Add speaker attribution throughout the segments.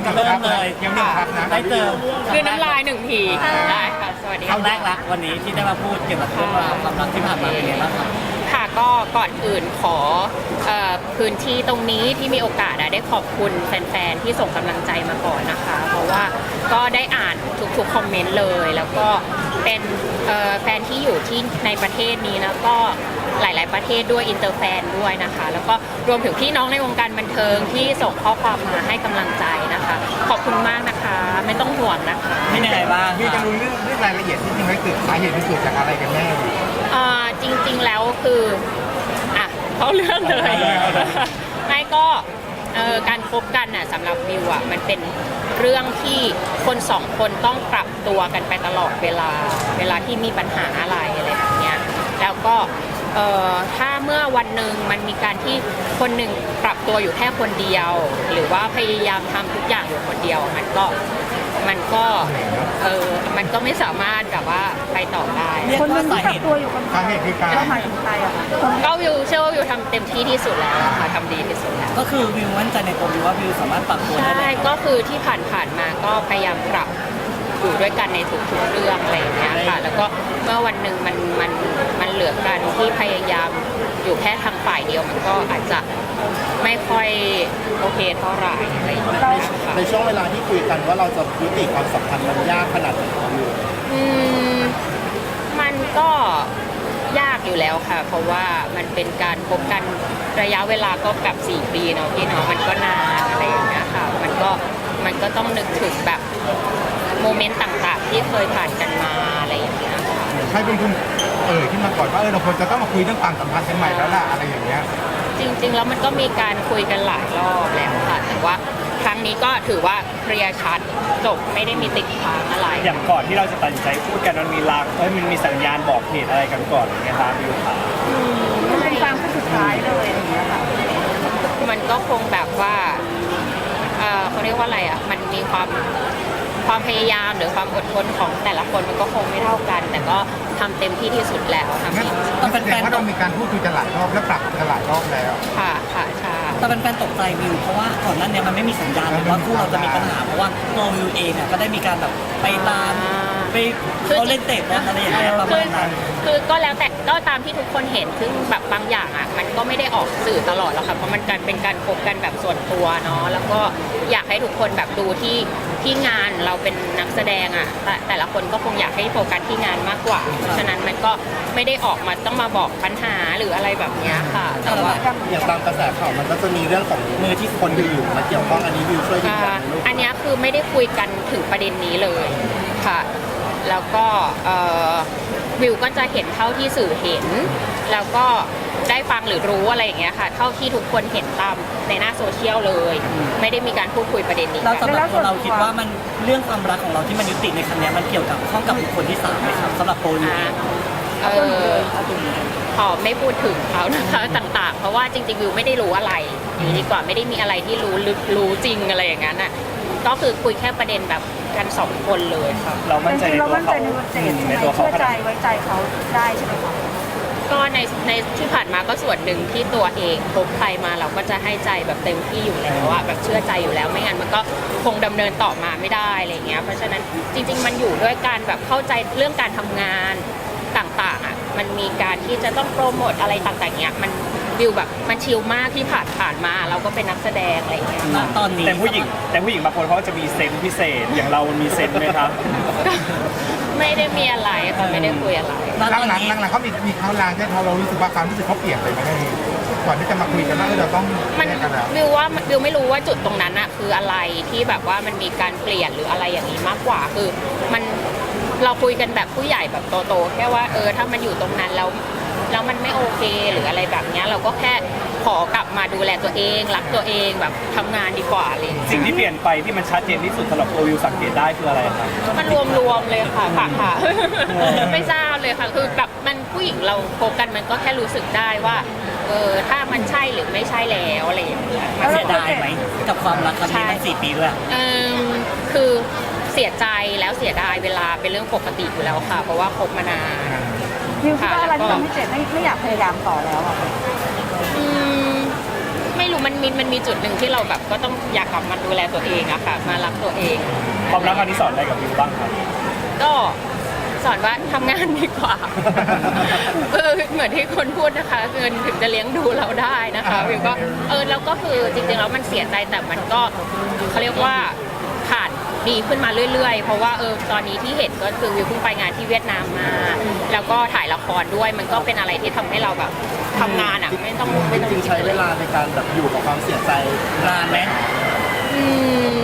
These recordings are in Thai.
Speaker 1: จะเริ่มเลยยังไม่พักนะได้เจอ
Speaker 2: คือน้ำลายหนึ่งทีได้ค่ะสวัสดี
Speaker 1: ครั้งแรกละวันนี้ที่ได้มาพูดเกี่ยวกับเรื่องราวความรักที่ผ่านมาเป็นไงบ้างครับ
Speaker 2: ค่ะก็ก่อนอื่นขอพื้นที่ตรงนี้ที่มีโอกาสได้ขอบคุณแฟนๆที่ส่งกำลังใจมาก่อนนะคะเพราะว่าก็ได้อ่านทุกๆคอมเมนต์เลยแล้วก็เป็นแฟนที่อยู่ที่ในประเทศนี้แล้วก็หลายๆประเทศด้วยอินเตอร์แฟนด้วยนะคะแล้วก็รวมถึงพี่น้องในวงการบันเทิงที่ส่งข้อความมาให้กำลังใจนะคะขอบคุณมากนะคะไม่ต้องห่วงนะคะ
Speaker 1: เป็นยังไงบ้าง
Speaker 3: พี่จะรู้เรื่องรายละเอียดที่จริงไหมเกิดสาเหตุมันเกิดจากอะไรกันแน่
Speaker 2: จริงๆแล้วคืออ่ะเข้าเรื่องเลยไม่ก็การคบกันน่ะสำหรับวิวอ่ะมันเป็นเรื่องที่คนสองคนต้องปรับตัวกันไปตลอดเวลาที่มีปัญหาอะไรแบบเนี้ยแล้วก็ถ้าเมื่อวันหนึ่งมันมีการที่คนหนึ่งปรับตัวอยู่แค่คนเดียว หรือว่าพยายามทำทุกอย่างอยู่คนเดียวมันก็มันก็ไม่สามารถแบบว่าไปต่อได้
Speaker 4: คนหนึงที่กักตัวอยู่คน
Speaker 3: สาเหตุคือการ
Speaker 4: เราหมายถึงใครอะคะ
Speaker 2: ก็วิวเชื่อว่าวิวทำเต็มที่ที่สุดแล้วค่ะทำดีที่สุดแล้ว
Speaker 1: ก็คือวิวมั่นใจในตัววิวว่าวิวสามารถปรับตัวได้
Speaker 2: ใช่
Speaker 1: เลย
Speaker 2: ก็คือที่ผ่านมาก็พยายามปรับอยู่ด้วยกันในทุกๆเรื่องอะไรอย่างเงี้ยค่ะแล้วก็เมื่อวันหนึ่งมันเหลือกันที่พยายามอยู่แค่ทางฝ่ายเดียวมันก็อาจจะไม่ค่อยโอเคเท่าไหร่อะไรอย่างเงี้ยค่ะ
Speaker 3: ในช่วงเวลาที่คุยกันว่าเราจะยุติความสัมพันธ์มันยากขนาดไหนครับพี่
Speaker 2: มันก็ยากอยู่แล้วค่ะ เพราะว่ามันเป็นการพบกันระยะเวลาก็แบบ4 ปีเนาะพี่เนาะมันก็นานอะไรอย่างเงี้ยค่ะมันก็ต้องนึกถึงแบบโมเมนต์ต่างๆ ที่เคยผ่านกันมาอะไรอย่างเงี้ยค่ะ
Speaker 3: ใครเป็นคนขึ้นมาก่อนว่าเราควรจะต้องมาคุยเรื่องความสัมพันธ์กันใหม่แล้วล่ะอะไรอย่างเงี้ย
Speaker 2: จริงๆแล้วมันก็มีการคุยกันหลายรอบแล้วค่ะแต่ว่าครั้งนี้ก็ถือว่าเคลียร์ชัดจบไม่ได้มีติดค้างอะไร
Speaker 5: อย่างก่อนที่เราจะตัดสินใจพูดกันมันมีลางมันมีสัญญาณบอกเหตุอะไรกันก่อนอย่างเงี้ยครับวิวขา
Speaker 4: มันเป็นความขั้นสุดท้ายเลยอย่างเงี้ยค่ะ
Speaker 2: มันก็คงแบบว่าเขาเรียกว่าอะไรอ่ะมันมีความพยายามหรือความอดทนของแต่ละคนมันก็คงไม่เท่ากัน แต่ก็ทำเต็มที่ที่สุดแล้วทำ
Speaker 3: งั้น
Speaker 2: ดีที่สุด
Speaker 3: แสดงว่าเรามีการพูดคุยกันหลายรอบและปรับกันหลายรอบแล้ว
Speaker 2: ค่ะค่ะใช่
Speaker 1: แต่เป็นแฟนตกใจวิวเพราะว่าก่อนหนั้นเนี่ยมันไม่มีสัญญาณเลยว่าคู่เราจะมีปัญหาเพราะว่าตัววิวเองก็ได้มีการแบบไปตามไปเขาเล่นเตะบอลอะไรอย่างเงี้ยประมาณนั้น
Speaker 2: คือก็แล้วแต่ก็ตามที่ทุกคนเห็นซึ่งแบบบางอย่างอ่ะมันก็ไม่ได้ออกสื่อตลอดหรอกค่ะเพราะมันการเป็นการคบกันแบบส่วนตัวเนาะแล้วก็อยากให้ทุกคนแบบดูที่งานเราเป็นนักแสดงอ่ะแต่ละคนก็คงอยากให้โฟกัสที่งานมากกว่าเพราะฉะนั้นมันก็ไม่ได้ออกมาต้องมาบอกปัญหาหรืออะไรแบบเนี้ยค่ะแต่ว่า
Speaker 3: อย่างตามกระแสข่าวมันก็จะมีเรื่องของมือที่คนอยู่มาเกี่ยวข้องอันนี้วิวช่วยยืนยันไหมลูก
Speaker 2: อันเนี้ยคือไม่ได้คุยกันถึงประเด็นนี้เลยค่ะแล้วก็วิวก็จะเห็นเท่าที่สื่อเห็น แล้วก็ได้ฟังหรือรู้อะไรอย่างเงี้ยค่ะเท่าที่ทุกคนเห็นตามในหน้าโซเชียลเลย ไม่ได้มีการพูดคุยประเด็นนี้
Speaker 1: เรา
Speaker 2: กัน
Speaker 1: สำหรับตัวเราคิดว่ามันเรื่องความรักของเราที่มันยุติในครั้งนี้มันเกี่ยวกับข้องกับบุคคลที่3ไหมครับสำหรับโปรวิวเอง
Speaker 2: ขอไม่พูดถึงเขานะคะต่างๆ เพราะว่าจริงๆวิวไม่ได้รู้อะไรอยู่ดีกว่าไม่ได้มีอะไรที่รู้ลึกรู้จริงอะไรอย่างนั้นอ่ะก็คือคุยแค่ประเด็นแบบกัน2 คนเลยค่ะ
Speaker 5: เรามั่นใจ
Speaker 4: จริงๆเรา
Speaker 5: ในตัว
Speaker 4: มั่นใจ
Speaker 5: เขา
Speaker 4: ในตัวเจดใช่ไห
Speaker 5: ใน
Speaker 4: ม
Speaker 5: ตัวเขา
Speaker 4: เชื่อ
Speaker 5: ข
Speaker 4: ใจ
Speaker 5: นาด
Speaker 4: ไว้ใจเขาได้ใช่ไหมคะ
Speaker 2: ก็ในที่ผ่านมาก็ส่วนหนึ่งที่ตัวเองคบใครมาเราก็จะให้ใจแบบเต็มที่อยู่แล้วอะแบบเชื่อใจอยู่แล้วไม่งั้นมันก็คงดำเนินต่อมาไม่ได้อะไรเงี้ยเพราะฉะนั้นจริงๆมันอยู่ด้วยการแบบเข้าใจเรื่องการทำงานต่างๆอะมันมีการที่จะต้องโปรโมทอะไรต่างๆเงี้ยมันวิวแบบมันชิลมากที่ผ่านมาเราก็เป็นนักแสดงอะไรเงี้ย
Speaker 1: ณตอนนี้
Speaker 5: แต่ผู้หญิงบางคนเขาจะมีเซนส์พิเศษ อย่างเรามีเซนส์ไหมครับ
Speaker 2: ก็ไม่ได้มีอะไรค่ะไม่ได้คุยอะไร
Speaker 3: หลังๆเขามีเขาลางใช่เขาเรารู้สึกว่าความรู้สึกเขาเปลี่ยนไปไหมก่อนที่จะมาคุยกันว่าเราต้อง
Speaker 2: มัน
Speaker 3: แยกกันแล้ว
Speaker 2: วิวไม่รู้ว่าจุดตรงนั้นอะคืออะไรที่แบบว่ามันมีการเปลี่ยนหรืออะไรอย่างนี้มากกว่าคือมันเราคุยกันแบบผู้ใหญ่แบบโตๆแค่ว่าถ้ามันอยู่ตรงนั้นแล้วมันไม่โอเคหรืออะไรแบบเนี้ยเราก็แค่ขอกลับมาดูแลตัวเองรักตัวเองแบบทำงานดีกว่าอะไรอย่างเลย
Speaker 5: สิ่งที่เปลี่ยนไปที่มันชัดเจนที่สุดสำหรับตัววิวสังเกตได้คืออะไรครับ
Speaker 2: มันรวมๆเลยค่ะค่ะ ไม่ทราบเลยค่ะคือแบบมันผู้หญิงเราโฟกันมันก็แค่รู้สึกได้ว่าถ้ามันใช่หรือไม่ใช่แล้วอะไรอย่างเงี้ย
Speaker 1: เสียดายไหมกับความรักครั้งนี้มัน4 ปีด้วย
Speaker 2: คือเสียใจแล้วเสียดายเวลาเป็นเรื่องปกติอยู่แล้วค่ะ เพราะว่าคบมานาน
Speaker 4: วิวคิดว่าอะไรที่ทำให้เจดไม่อยากพยายามต่อแล้วอะ
Speaker 2: อืมไม่รู้มันมีจุดหนึ่งที่เราแบบก็ต้องอยากกลับมาดูแลตัวเองอะค่ะมารักตัวเอง
Speaker 5: ความรักอันนี้สอนอะไรกับวิวบ้างครับ
Speaker 2: ก็สอนว่าทำงานดีกว่า เหมือนที่คนพูดนะคะเงินถึงจะเลี้ยงดูเราได้นะคะวิวก็แล้วก็คือจริงๆแล้วมันเสียใจแต่มันก็เขาเรียกว่าผ่านดีขึ้นมาเรื่อยๆเพราะว่าตอนนี้ที่เห็นก็คือวิวเพิ่งไปงานที่เวียดนามมา แล้วก็ถ่ายละครด้วยมันก็เป็นอะไรที่ทำให้เราแบบทำงานอ่ะไม่ต้อง
Speaker 6: จริงๆใช้เวลาในการแบบอยู่กับความเสียใจ
Speaker 1: นานไหม
Speaker 2: อืม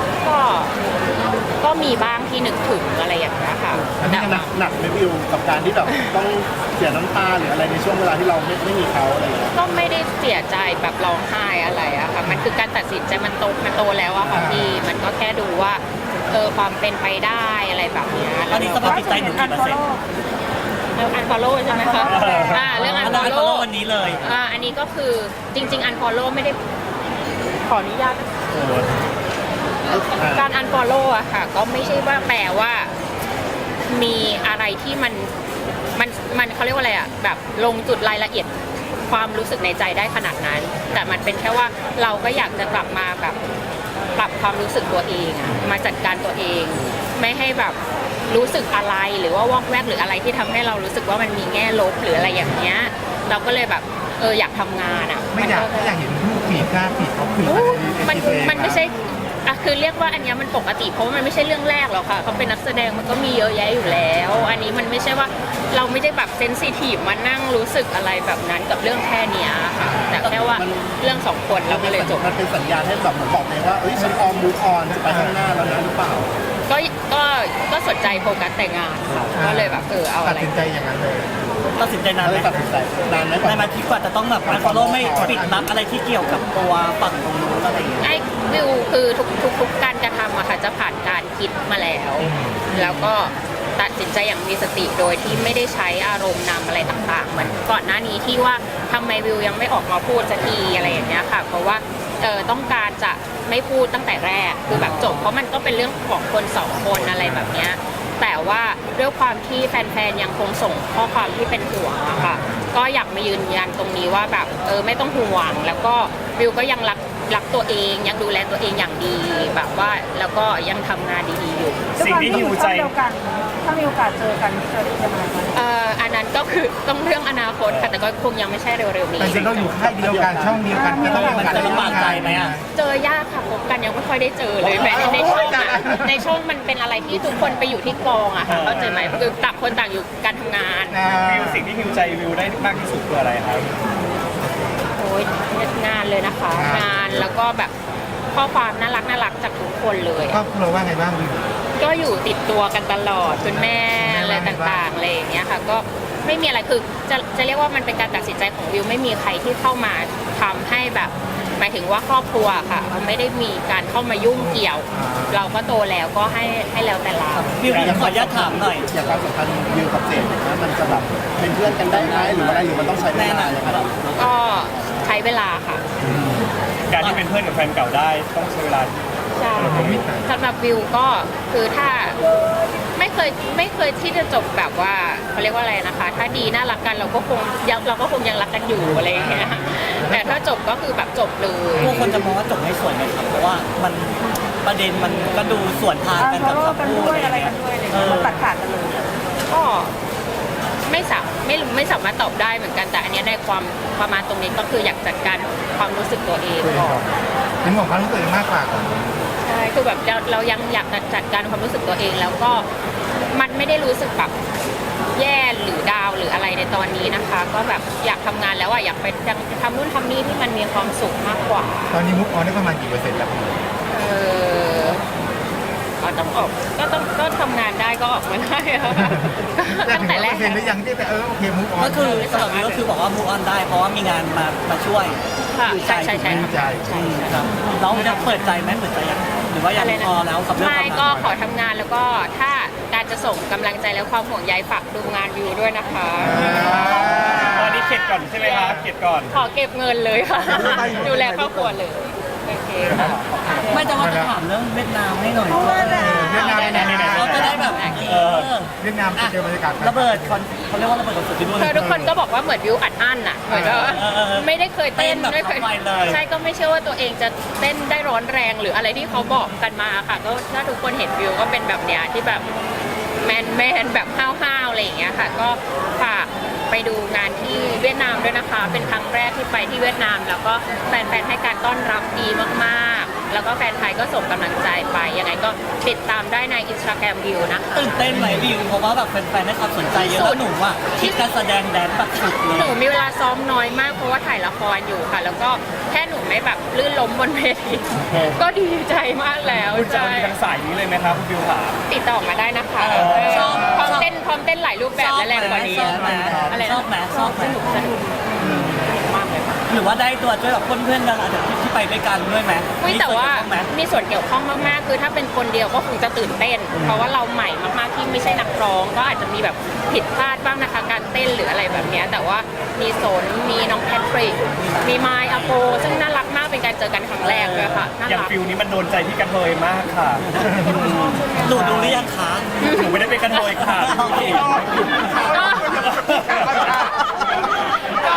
Speaker 2: ก็มีบ้างที่นึกถึงอะไรอย่างเงี้ยค่ะ
Speaker 6: อันนี้หนักไหมวิวกับการที่แบบต้องเสียน้ำตาหรืออะไรในช่วงเวลาที่เราไม่มีเขาอะไรอย่างเงี้ย
Speaker 2: ก็ไม่ได้เสียใจแบบร้องไห้อะไรอะค่ะมันคือการตัดสินใจมันโตแล้วอะค่ะพี่มันก็แค่ดูว่าความเป็นไปได้อะไรแบบเนี้ย
Speaker 1: ตอนนี้สภาพจิตใจหนูกี่เปอร์เซ็นต์
Speaker 2: อันฟอลโล่ใช่ไหมคะเรื่องอันฟอล
Speaker 1: follow
Speaker 2: โล่
Speaker 1: วันนี้เลย
Speaker 2: อันนี้ก็คือจริงๆอันฟอลโล่ไม่ได้ขออนุญาตการอันฟอลโล่อะค่ะก็ไม่ใช่ว่าแปลว่ามีอะไรที่มันเขาเรียกว่าอะไรอะแบบลงจุดรายละเอียดความรู้สึกในใจได้ขนาดนั้น แต่มันเป็นแค่ว่าเราก็อยากจะกลับมาแบบปรับความรู้สึกตัวเองอะมาจัดการตัวเอง ไม่ให้แบบรู้สึกอะไรหรือว่าวอกแวกหรืออะไรที่ทำให้เรารู้สึกว่ามันมีแง่ลบหรืออะไรอย่างเงี้ยเราก็เลยแบบอยากทำงานอะ
Speaker 3: ไม่อยากเห็นรูปผีกล้าผีเขาผี
Speaker 2: มันไม่ใช่คือเรียกว่าอันนี้มันปกติเพราะว่ามันไม่ใช่เรื่องแรกหรอกค่ะเขาเป็นนักแสดงมันก็มีเยอะแยะอยู่แล้ว อันนี้มันไม่ใช่ว่าเราไม่ได้แบบเซนซิทีฟมานั่งรู้สึกอะไรแบบนั้นกับเรื่องแค่เนี้ยค่ะแต่แค่ว่าเรื่อง2 คนเราก็เลยจบ
Speaker 6: มันเป็นสัญญาณให้แบบเหมือนบอกเลยว่าฉันพร้อมมูฟออนจะไปข้างหน้าแล้วนะหรือเปล่า
Speaker 2: ก็สนใจโฟกัสแต่งานค่ะก็เลยแบบเอา
Speaker 3: ตั
Speaker 2: อะ
Speaker 3: ด
Speaker 2: ไร
Speaker 3: สินใจอย่างนั้นเลย
Speaker 1: ตัดสินใจนานไหม
Speaker 6: ตัดสินใจนานไหมก
Speaker 1: นานไหม
Speaker 6: ว่า
Speaker 1: ที่กว่าจะต้องแบบอันฟอลโล่ไม่ปิดลับอะไรที่เกี่ยวกับตัวฝั่งตรงนู้นอะไรอย่างเงี้ย
Speaker 2: ไอ้วิวคือทุกการกระทำอะค่ะจะผ่านการคิดมาแล้ว แล้วก็ตัดสินใจอย่างมีสติโดยที่ไม่ได้ใช้อารมณ์นำอะไรต่างๆเหมือนก่อนหน้านี้ที่ว่าทำไมวิวยังไม่ออกมาพูดสักทีอะไรอย่างเงี้ยค่ะเพราะว่าต้องการจะไม่พูดตั้งแต่แรกคือแบบจบเพราะมันก็เป็นเรื่องของคน2 คนอะไรแบบเนี้ยแต่ว่าด้วยความที่แฟนๆยังคงส่งข้อความที่เป็นห่วงอะค่ะก็อยากมายืนยันตรงนี้ว่าแบบไม่ต้องห่วงแล้วก็วิวก็ยังรักตัวเองยังดูแลตัวเองอย่างดีแบบว่าแล้วก็ยังทำงานดีๆอยู่
Speaker 5: สิ่งที่หิวใจ
Speaker 4: ถ้ามีโอกาสเจอกันจะยังไงคะ
Speaker 2: อันนั้นก็คือต้องเรื่องอนาคตค่ะแต่ก็คงยังไม่ใช่เร็วๆนี้
Speaker 3: แต่จริงๆเราอยู่ค่ายเดียวกันช่องเดียวกันก็ต้องมีโอกาส
Speaker 1: มันจะลำบากใจไหมอะ
Speaker 2: เจอยากค่ะพบกันยังไม่ค่อยได้เจอเลยแม้ในช่องอะในช่องมันเป็นอะไรที่ทุกคนไปอยู่ที่กองอะค่ะเข้าใจไหมคือต่างคนต่างอยู่การทำงาน
Speaker 5: วิวสิ่งที่หิวใจวิวได้มากที่สุดคืออะไรครับ
Speaker 2: โอ้ยงานเลยนะคะ งานแล้วก็แบบข้อความน่ารักจากทุกคนเลย
Speaker 3: ครอบครัวว่าไงบ้างวิว
Speaker 2: ก็อยู่ติดตัวกันตลอดคุณแม่อะไรต่างๆอะไรอย่างเงี้ยค่ะก็ไม่มีอะไรคือจะเรียกว่ามันเป็นการตัดสินใจของวิวไม่มีใครที่เข้ามาทำให้แบบหมายถึงว่าครอบครัวค่ะมันไม่ได้มีการเข้ามายุ่งเกี่ยว เราก็โตแล้วก็ให้แล้วแต่เรา
Speaker 1: วิวขออนุญาตถามหน่อย
Speaker 6: อย่างความสัมพันธ์วิวกับเจดนะมันจะแบบเป็นเพื่อนกันได้ไหมหรืออะไรหรือมันต้องใช้เว
Speaker 1: แน่น
Speaker 6: ลา
Speaker 1: อน
Speaker 6: อย่างไร
Speaker 2: ก็ใช้เวลาค่ะ
Speaker 5: การที่เป็นเพื่อนกับแฟนเก่าได้ต้องใช้เวลา
Speaker 2: ใช่สำหรับวิวก็คือถ้าไม่เคยที่จะจบแบบว่าเขาเรียกว่าอะไรนะคะ ถ้าดีน่ารักกันเราก็คงยังรักกันอยู่อะไรอย่างเงี้ยแต่ถ้าจบก็คือแบบจบเลย
Speaker 1: ผู้คนจะมองว่าจบไม่สวยไหมครับเพราะว่ามันประเด็นมันก็ดูส่วนทางกัน
Speaker 4: ฟอ
Speaker 1: กับ
Speaker 4: ลโล่
Speaker 1: คำ
Speaker 4: กัน
Speaker 1: พูด
Speaker 4: ด้วย
Speaker 1: อะ
Speaker 4: อะไร ไร
Speaker 1: เงี้
Speaker 4: กั
Speaker 1: ย
Speaker 4: นด้วยอะไรอย่างเงี้ยมันตัดขาดกันเลย
Speaker 2: ก็ไม่สามารถตอบได้เหมือนกันแต่อันเนี้ยในความประมาณตรงนี้ก็คืออยากจัดการความรู้สึกตัวเองก่อน
Speaker 3: เป็นของความรู้สึกตัวเองมากกว่า
Speaker 2: ใช่คือแบบเรายังอยากจัดการความรู้สึกตัวเองแล้วก็มันไม่ได้รู้สึกแบบแย่หรือดาวหรืออะไรในตอนนี้นะคะ ก็แบบอยากทำงานแล้วอยากไปทำนู่นทำนี่ที่มันมีความสุขมากกว่า
Speaker 3: ตอนนี้มุกออนได้ประมาณกี่เปอร์เซ็นต์แล้ว
Speaker 2: ต้องออกก็ทำงานได้ก็ออกมาได้ค่ะ
Speaker 3: แต่
Speaker 2: ตั้ง
Speaker 3: ถึง
Speaker 2: แต่แร
Speaker 3: เปอก ร์เซ็นต์หรือยังที่แต่โอเคมุกออน
Speaker 1: ก็คือสำหรับวิวก็คือบอกว่า move on ได้เพราะว่ามีงานมาช่วย
Speaker 2: ค่ะใช่
Speaker 1: ครับน้องจะเปิดใจไหมเปิดใจยังหรือว่ายังพอแล้วกับเรื่อง
Speaker 2: ไม่
Speaker 1: ความ
Speaker 2: ก็
Speaker 1: รัก
Speaker 2: ขอทำงานแล้วก็ถ้าการจะส่งกำลังใจและความห่วงใยฝากดูงานวิวด้วยนะคะ
Speaker 5: ตอนนี้เข็ดก่อนใช่ไหมคะเข็ดก่อน
Speaker 2: ขอเก็บเงินเลยค่ะ ดูแลครอบครัวเลยโอเคค่ะ
Speaker 1: ไม่จะว่าจะถามเรื่องเวียดนามให้หน่อย
Speaker 4: เพราะว่า
Speaker 3: เวียดนาม
Speaker 2: ได้
Speaker 1: เราจะได้ได้แบบ
Speaker 3: เวียดนามจะเจอบรรยากาศ
Speaker 1: ระเบิดคอนเขาเรียกว่าระเบิดคอนเสิร์ตที่นู่น
Speaker 2: คือทุกคนก็บอกว่าเหมือนวิวอัดอั้นอ่ะเหมือนว่าไม่ได้เคยเต้น
Speaker 1: เต้นแบบ
Speaker 2: ไม่เคย
Speaker 1: เข้าไปเลย
Speaker 2: ใช่ก็ไม่เชื่อว่าตัวเองจะเต้นได้ร้อนแรงหรืออะไรที่เขาบอกกันมาค่ะก็ถ้าทุกคนเห็นวิวก็เป็นแบบเนี้ยที่แบบแมนแบบห้าวๆอะไรอย่างเงี้ยค่ะก็ฝากไปดูงานที่เวียดนามด้วยนะคะ เป็นครั้งแรกที่ไปที่เวียดนาม แล้วก็แฟนๆให้การต้อนรับดีมากๆ แล้วก็แฟนไทยก็ส่งกำลังใจไปยังไงก็ติดตามได้ใน Instagram วิวนะคะ
Speaker 1: ตื่นเต้นไหมวิวเพราะว่าแบบแฟนๆให้ความสนใจเยอะแล้วหนูอ่ะคิดการแสดงแดนซ์แบบสุดเลย
Speaker 2: หนูมีเวลาซ้อมน้อยมากเพราะว่าถ่ายละครอยู่ค่ะ แล้วก็แค่หนูไม่แบบลื่นล้มบนเวทีก็ดีใจมากแล้ว
Speaker 5: คุณจะ
Speaker 2: ใช่
Speaker 5: มีทางสายนี้เลยไหมครับคุณบิวขา
Speaker 2: ติดต่อมาได้นะคะ
Speaker 1: ชอบ
Speaker 2: พร้อมเต้นหลายรูปแบบและแรงกว่านี้
Speaker 1: ชอบไหม
Speaker 2: อะไร
Speaker 1: ชอบไหมชอบไหม
Speaker 2: สนุกมากเลยค่ะ
Speaker 1: หรือว่าได้ตัวช่วยแบบเพื่อนๆดาราจากที่ไปด้วยกันด้วยไหม
Speaker 2: ไม่แต่ว่า
Speaker 1: ไหม
Speaker 2: มีส่วนเกี่ยวข้องมากๆ คือถ้าเป็นคนเดียวก็คงจะตื่นเต้น เพราะว่าเราใหม่มากๆที่ไม่ใช่นักร้อง ก็อาจจะมีแบบผิดพลาดบ้างนะคะการเต้นหรืออะไรแบบเนี้ยแต่ว่ามีสนมีน้องแพทริกมีไมค์อาโปซึ่งน่ารักมากเป็นการเจอกันครั้งแรกเลยค่ะน่า
Speaker 5: อย่าง
Speaker 2: รัก
Speaker 5: ฟิลนี้มันโดนใจพี่กระเทยมากค่ะ
Speaker 1: หนูดูหรือยังคะ
Speaker 5: หนูไม่ได้เป็นกระเทยค่ะ
Speaker 1: โอเค
Speaker 2: ก็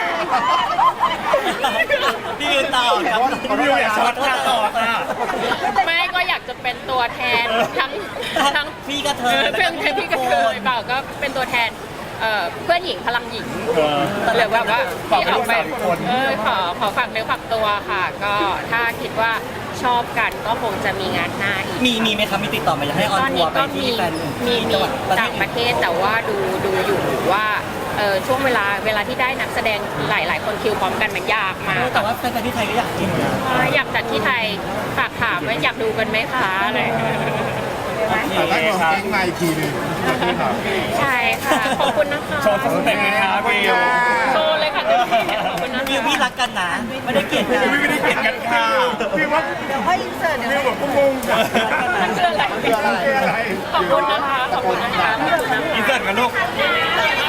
Speaker 1: พี่วิวต่อครับ
Speaker 5: คุณบิวอย่าช็อตค่ะต่อค่ะ
Speaker 2: ไม่ก็อยากจะเป็นตัวแทนทั้ง
Speaker 1: พี่กระเท
Speaker 2: เอย อเพื่อนพี่กระเทยเปล่าก็เป็นตัวแทนเพื่อนหญิงพลังหญิงหรือแบบว่าที่ออกไปขอฝากเนื้อฝากตัวค่ะ ก็ถ้าคิดว่าชอบกันก็คงจะมีงานหน้าอีก
Speaker 1: มีไหมครับมีติดต่อมาอยากให้ออน
Speaker 2: ตอน
Speaker 1: ทั
Speaker 2: นี้
Speaker 1: วร์ไป
Speaker 2: ก็
Speaker 1: ที่
Speaker 2: มี
Speaker 1: แฟน
Speaker 2: มี
Speaker 1: จังหวัดประเท
Speaker 2: ต่า
Speaker 1: ศ
Speaker 2: งประเทศแต่ว่าดูอยู่ว่าช่วงเวลาที่ได้นักแสดงหลายคนคิวพร้อมกันมันยากมาก
Speaker 1: แต่ว่าแฟนๆที่ไทยก็อยากกินนะ
Speaker 2: อยากจัดที่ไทยฝากถามว่าอยากดูกันไหมคะอะไร
Speaker 3: แต่ได้ของเก่งมาอีกทีหนึง
Speaker 2: ใช่ค่ะ ขอบคุณนะคะ
Speaker 5: โชว์สเต็ปเลยครับบิว
Speaker 2: โชว์เลยค่ะขอบคุณนะคะ
Speaker 1: วิวพี่รักกันนะ ไม่ได้เกลียดกัน
Speaker 5: ไม่ได้เกลียดกันค่ะ
Speaker 3: พี่ว่า
Speaker 4: เดี๋ยวค่อยอินเสิร์ตเดี๋ยว
Speaker 3: พี่แบบงงๆอะ
Speaker 2: มันคืออะไร
Speaker 3: คืออะไร
Speaker 2: ขอบคุณนะคะ ขอบคุณนะคะขอบคุณนะคะ
Speaker 5: อินเสิร์ตกันลูก
Speaker 2: เย้